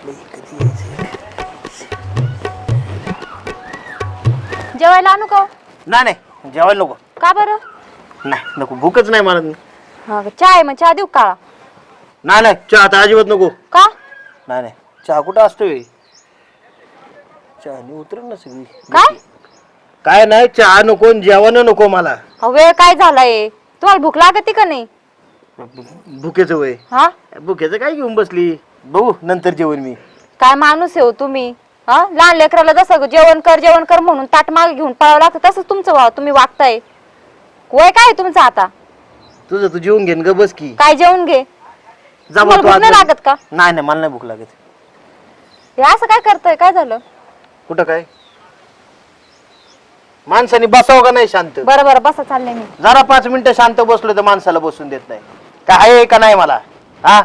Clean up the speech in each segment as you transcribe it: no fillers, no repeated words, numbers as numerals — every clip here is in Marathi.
जेवायला आणू का? नाही नाही जेवायला नको. का बरं? नाही नको भूकच नाही मला. हा चहा आहे मग चहा देऊ काळा? नाही नाही चहा आता अजिबात नको. का? नाही नाही चहा कुठं असतोय? चहा उतर ना सगळी. काय? काय नाही चहा नको जेवण नको मला. वेळ काय झालाय? तुम्हाला भूक लागते का नाही? भुकेचं वय. हा भुकेचं काय घेऊन बसली? बघू नंतर जेवण मी. काय माणूस आहे हो तुम्ही? हा लहान लेकराला जसं जेवण कर म्हणून ताट मागे घेऊन पळावं लागतं तसंच तुमचं तुम्ही वागताय. वय काय आहे तुमचं आता? तुझं तू जेवून घेन ग बस की. काय जेवून घे? तुम्हाला भूक नाही लागत का? नाही नाही मला नाही भूक लागत. हे असं काय करताय? काय झालं? कुठं काय? माणसाने बसावं का नाही शांत? बरं बरं बसा चाललंय मी. जरा 5 मिनिटं शांत बसलो तर माणसाला बसून देत नाही. काय आहे का नाही मला? हा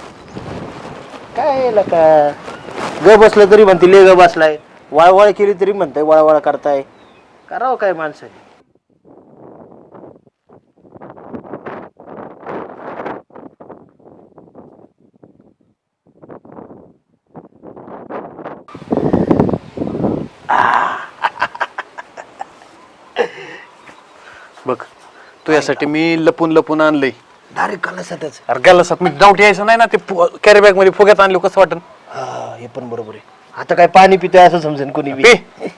काय का ग बसलं तरी म्हणते ले ग बसलाय. वळवळ केली तरी म्हणताय वळवळ करताय. करावं काय माणसाने? बघ तुझ्यासाठी मी लपून लपून आणलंय. डायरेक्ट कलासातच. अरे गेलासात मी डाऊट यायचं नाही ना ते कॅरी बॅग मध्ये फुग्यात आणलो कसं वाटन? हा हे पण बरोबर आहे. आता काय पाणी पितोय असं समजेन कोणी बी.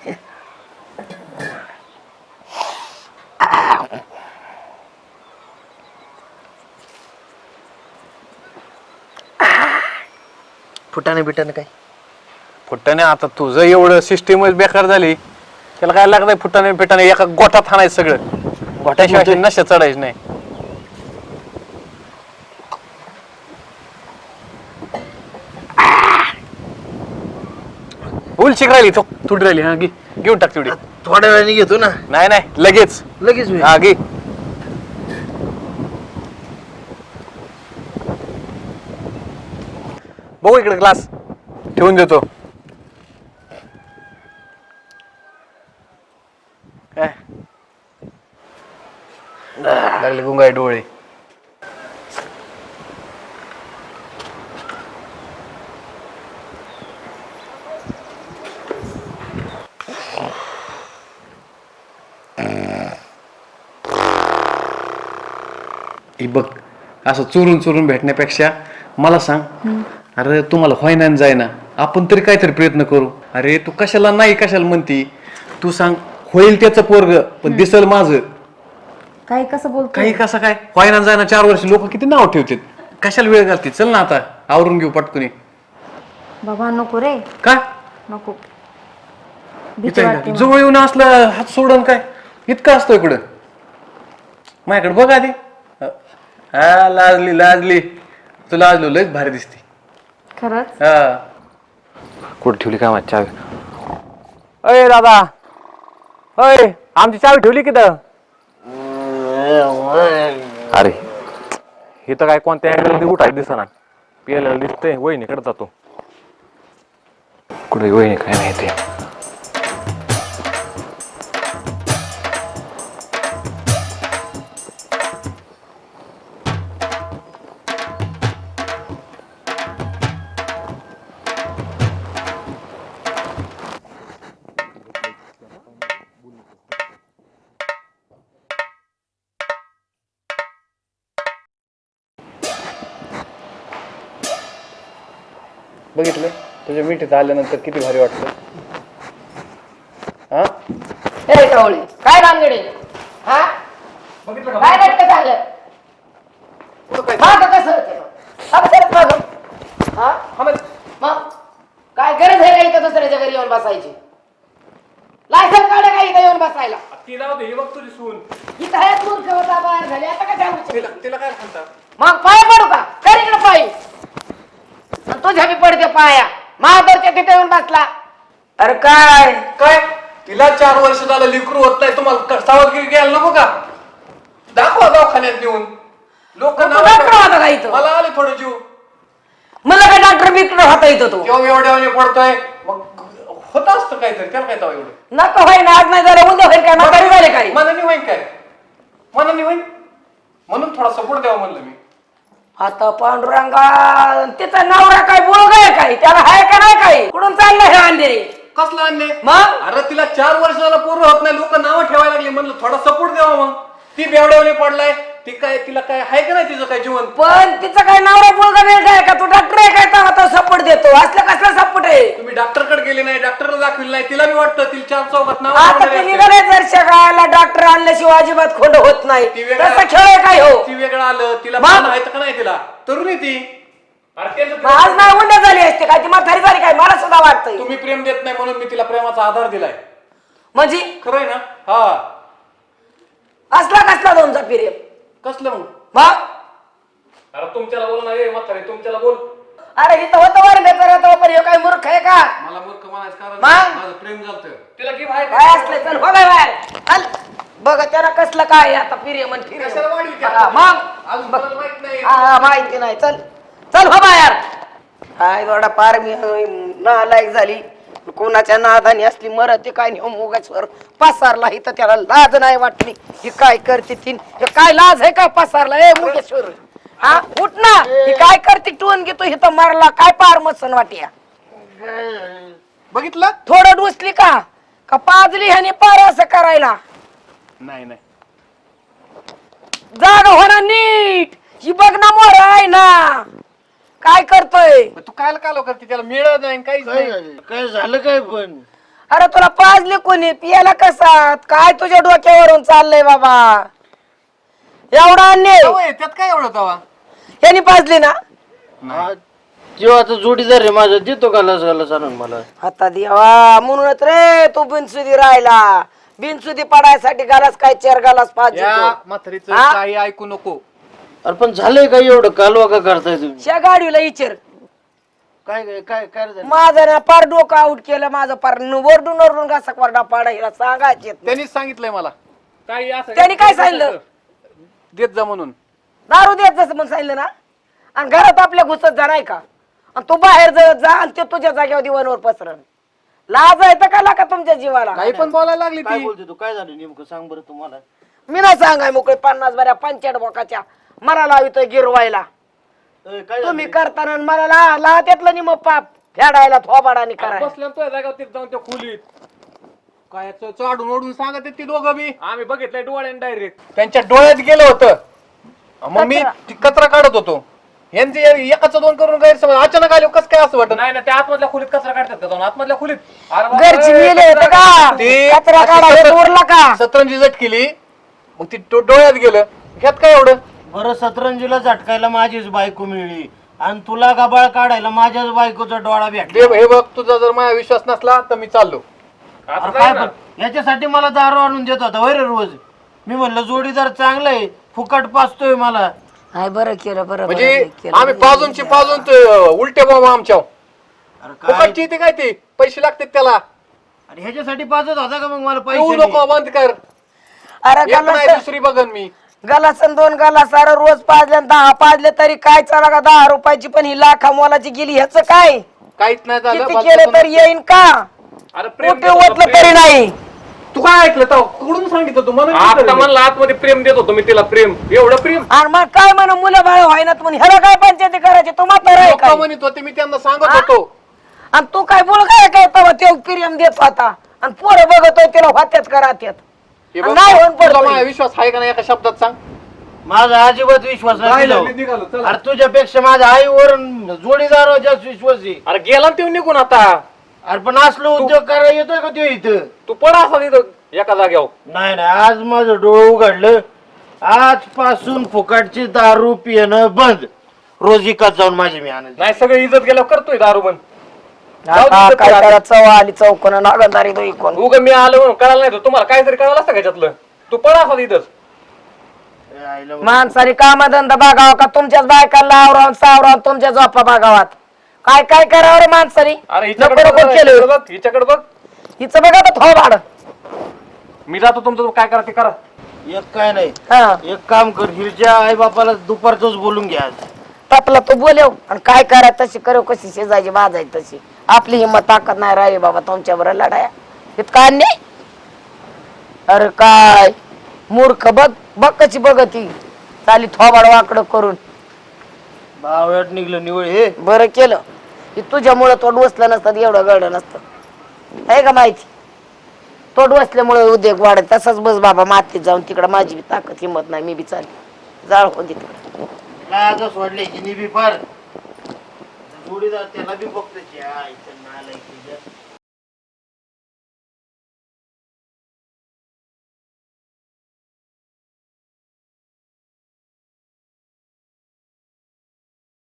फुटाने बिटाने काय? फुट्टाने आता तुझं एवढं सिस्टीमच बेकार झाली. त्याला काय लागतंय फुट्टाने पिटाने एका गोठात आणायचं सगळं. गोठ्याशिवाय नशा चढायचं नाही. उलची राहिली तो तुडी राहिली. हा घे घेऊन टाक तेवढी. थोड्या वेळाने घेतो ना. नाही नाही लगेच लगेच होईल. हा घे. बघू इकडे ग्लास ठेवून देतो. काय लागले गुंगाई डोळे. बघ असं चोरून चोरून भेटण्यापेक्षा मला सांग. अरे तुम्हाला व्हायना जायना आपण तरी काहीतरी प्रयत्न करू. अरे तू कशाला नाही कशाला म्हणती? तू सांग होईल त्याचं पोरग पण दिसल माझं. काही कसं बोलतो? काही कसं काय व्हायना जायना 4 वर्ष लोक किती नाव ठेवतात. कशाला वेळ घालते? चल ना आता आवरून घेऊ पटकुनी. बाबा नको रे. का नको. जवळ येऊन असलं हात सोडून काय इतकं असतो इकडं? माझ्याकडे बघ आधी. हा लाजली लाजली. तू लाजलो लयच भारी दिसते. खरंच? हा कुठे ठेवली काय माझी चावी? अय दादा अय आमची चावी ठेवली की तर? अरे हे तर काय कोणत्या अँगलमध्ये उठायला दिसणार. पियाला दिसतंय. वहिनीकडे जातो. कुठे वहिनी काय नाही ते. बघितलं तुझ्या मिठीत आल्यानंतर किती भारी वाटतं. हा हे कवळे काय रामगडे? हा काय नाटक झालं? मागं कसं होतं? अक्षरच मागं. हा मग काय गरज आहे का इथं दुसऱ्याच्या घरी येऊन बसायची? लायसन काढ का इथं येऊन बसायला? तुझी सून इथं आहे मूर्ख होता बाहेर झाली आता काय सांगू? तिला काय म्हणतात? मग पाय पडू का? कर इकडं पायी. तुझ्या बी पडते पाया. महादरच्या तिथे येऊन बसला. अरे काय काय तिला 4 वर्ष झालं लिकरू होत नाही. तुम्हाला सावधगिरी घ्यायला नको का? दाखवा दवाखान्यात नेऊन. लोक डॉक्टर होता का इथं? मला आले थोडं जीव. मला काय डॉक्टर बिक्टर होता इथं तो? तेव्हा एवढ्या पडतोय. मग होत असतं काहीतरी. त्याला काय तेव्हा एवढं नको होय ना. आज नाही झालं उद्या होईल काय? म्हातारी झाले काय? मनाने होईन काय? मनाने होईन म्हणून थोडा सपोर्ट द्यावा म्हणलं मी. आता पांडुरंगा तिचा नवरा काय बोलगाय काय? त्याला हाय का कसला अन्याय मग? अरे तिला 4 वर्षाला पूर्ण होत नाही, लोक नावं ठेवायला लागली. म्हणलं थोडा सपोर्ट द्यावा. मग ती बेवड्यावली पडलाय. ती काय, तिला काय आहे का नाही तिचं काय जीवन? पण तिचं काय नवरा मुलगा वेळ आहे का? तू डॉक्टर आहे काय? आता सपोर्ट देतो. असलं कसला सपोर्ट आहे? तुम्ही डॉक्टरकडे गेले नाही, डॉक्टरला दाखविलं नाही. तिला बी वाटतं तिला 4 चौकात नाव आता ते निघाले जर शगायला डॉक्टर आणल्याशिवाय अजिबात खोंड होत नाही. ती वेगळं- तसं खेळ आहे काय हो? ती वेगळं आलं. तिला मग? पाहणं आहे का नाही? तिला तरुण आहे ती. अरे त्याचं आज नाही उंड्या झाली असते काय? ती म्हातारी झाली काय? मला सुद्धा वाटतंय. तुम्ही प्रेम देत नाही म्हणून मी तिला प्रेमाचा आधार दिलाय. म्हणजे खरं आहे ना? हा. असला कसला दोनचा पिरियड कसलं मग? मग अरे तुमच्याला बोल ना रे म्हातारे, तुमच्याला बोल. अरे इथं होतं वर नेतं पण हे काय मूर्ख आहे का? मला मूर्ख म्हणायचं कारण मग? माझं प्रेम झालं. तिला की बाहेर काय असले चल हो बाय बाहेर चल. बघ त्याला कसलं काय आहे आता पिरियड म्हण कशाला वाढली ती? मग अजून बघ. मला माहित नाही. हा माहिती नाही चल चल हो बाहेर. काय थोडा पार मी नालायक झाली. कोणाच्या नादानी असली मरत काय नाही मुगाचवर पसारला इथं त्याला लाज नाही वाटली. ही काय करते ती? हे काय लाज आहे का पसारला? ए मुगेश्वर हा उठ ना. ही काय करते? टोन घेतो इथं मारला काय पार मसन वाटिया. बघितलं? थोडं डुसली का का पाजली ह्याने पार असं करायला? नाही नाही. जाग होणार नीट. ही बघ ना मोर आहे ना काय करतोय. तू कायला कालो करते? त्याला मिळत नाही काहीच काय नाही. झालं? काय झालं काय पण? अरे तुला पाजले कोणी? पियाला कसा काय तुझ्या डोक्यावरून चाललंय बाबा? एवढा अन्याय होय, त्यात काय एवढं तवा? यांनी पाजली ना? जीवाचा जोडीदार आहे माझा, देतो गालास गालास आणून मला. आता देवा म्हणूनच रे तू बिनसुदी राहिला. बिनसुदी पडायसाठी गालास काय चेर गालास पाहिजे या तो. म्हातारीचं हा? काही ऐकू नको. अरे पण झालंय काय एवढं? कालवा का करताय तुम्ही? त्या गाडीला इचर काय काय काय काय झालं? माझं ना पार डोकं आउट केलं. माझं पार वरडून वरडून घासा कोरडा पाडायला सांगायचे. त्यांनीच सांगितलंय मला. काही असं त्यांनी काय सांगितलं? देत जा म्हणून. दारू द्यायचं असं म्हणून सांगितलं ना. आणि घरात आपल्या घुसत जा नाही का? आणि तू बाहेर जा आणि ते तुझ्या जागेवर दिवाणवर पसरण. लाज आहे तर का का तुमच्या जीवाला? काही पण बोलायला लागली काय ती. बोलते तू? काय झालं नेमकं सांग बरं तुम्हाला. मी नाही सांगाय मोकळे 50 बऱ्या 65 बोकाच्या मला लावितोय गिरवायला. काय तुम्ही करताना मला ला त्यातलं नि मग पाप फेडायला थोबाडानी करायला. बसल्या तुझ्या जागावर तिथे जाऊन त्या खोलीत काय चढून ओढून सांगत ती दोघं बी. आम्ही बघितलंय डोळ्याने डायरेक्ट. त्यांच्या डोळ्यात गेलं होतं. मग मी ती कचरा काढत होतो. यांचे एकाचं 2 करून गैरसमज अचानक आले. कस काय असं वाटत? नाही ना, त्या आतमधल्या खोलीत कचरा काढतात का जाऊन? आतमधल्या खोलीत घरची मेले होते का? कचरा काढायला उरला का? सतरंजी झटकेली. मग ती डोळ्यात गेलं. ह्यात काय एवढं? बरं, सतरंजीला झटकायला माझीच बायको मिळली आणि तुला गबाळ काढायला माझ्याच बायकोचा डोळा भेटला. हे बघ, तुझा जर माझा विश्वास नसला तर मी चाललो. अरे काय पण याच्यासाठी मला दारू आणून देत होता वैर रोज. मी म्हणलं जोडीदार चांगला आहे, फुकट पाचतोय मला. हाय बरं केलं बरं म्हणजे आम्ही पाजून उलटे बॉम्ब आमच्या अरे काय? फुकटची ती काय ती पैसे लागतात त्याला. अरे ह्याच्यासाठी पाजत होता का मग मला येऊ पैसे? नको, बंद कर. अरे एक नाही गलास दुसरी बघन मी. गलास 2 गलास अरे रोज पाजले 10 पाजले तरी काय चला का 10 रुपयाची पण ही लाखा मोलाची गेली. ह्याच काय काहीच नाही झालं. किती केलं तर येईन का? अरे कुठे ओतलं तरी नाही. तू काय ऐकलं तर कुठून सांगितलं तू? म्हणलं आतमध्ये प्रेम देत होतो मी तिला. प्रेम एवढं प्रेम आणि मग काय म्हणून मुलं बाळ व्हायनात म्हणून ह्याला काय पंचायती करायची? तू म्हातारा आहे लोकं काय? म्हणत होते, मी त्यांना सांगत होतो. आणि तू काय बोल काय काय तेव्हा ते प्रेम देत होता आणि पोरं बघतोय तिला होत्याच करात्यात. हे बघ, नाही होऊन तुला पडतोय. माझा विश्वास आहे का नाही एका शब्दात सांग. माझा अजिबात विश्वास नाही. मी निघालो, चला. अरे तुझ्यापेक्षा माझ्या आईवर जोडीदार जास्त विश्वास आहे. अरे गेला ना ते निघून आता. अरे पण असलो उद्योग करायला येतोय का तो इथं? तू पडा असा तिथं एका जाग्यावर. नाही नाही, आज माझं डोळं उघडलं. आजपासून फुकटची दारू पिणं बंद. रोज इकत जाऊन माझी मी आणत. नाही सगळं इज्जत गेल्यावर करतोय दारू बंद. आता काय करा चव आली चौकोन नागंदारी दोई कोण. उगा मी आलो म्हणून कळालं नाही तर तुम्हाला काहीतरी कळालं असतं का याच्यातलं? तू पडा असा तिथंच. माणसाने कामधंदा बघावा का तुमच्याच बायकाला आवरावून सावरावून तुमच्या झोपा बघावात? काय काय करावं रे माणसाने? अरे नको नको केलं. बघ, हिच्याकडे बघ. हिचं बघा तर थोबाड. मी जातो तुमचं काय करा ते करा. एक काय नाही, हा एक काम कर, हिरच्या आई बापाला दुपारचंच बोलून घ्या आज. तपला तू बोलव आणि काय करा तशी करू, कशी शेजायची बाजायची तशी. आपली हिंमत ताकद नाही राहिली बाबा तुमच्या बरोबर लढाया. इतका नाही. अरे काय मूर्ख बघ बघ कशी बघती चाली थोबाड वाकड करून. बावळ्यात निघलं निवळ हे. बरं केलं की तुझ्यामुळं तोंड बसलं नसतं एवढं गड नसतं. आहे का माहिती तोड बसल्यामुळे उद्योग वाढत तसाच बस बाबा मातीत जाऊन तिकडं माझी बी ताकद हिंमत नाही मी बी चालली जाळ हो तिकडं लाजच वाढले हिनी बी फार जोडीदार त्याला बी बघतो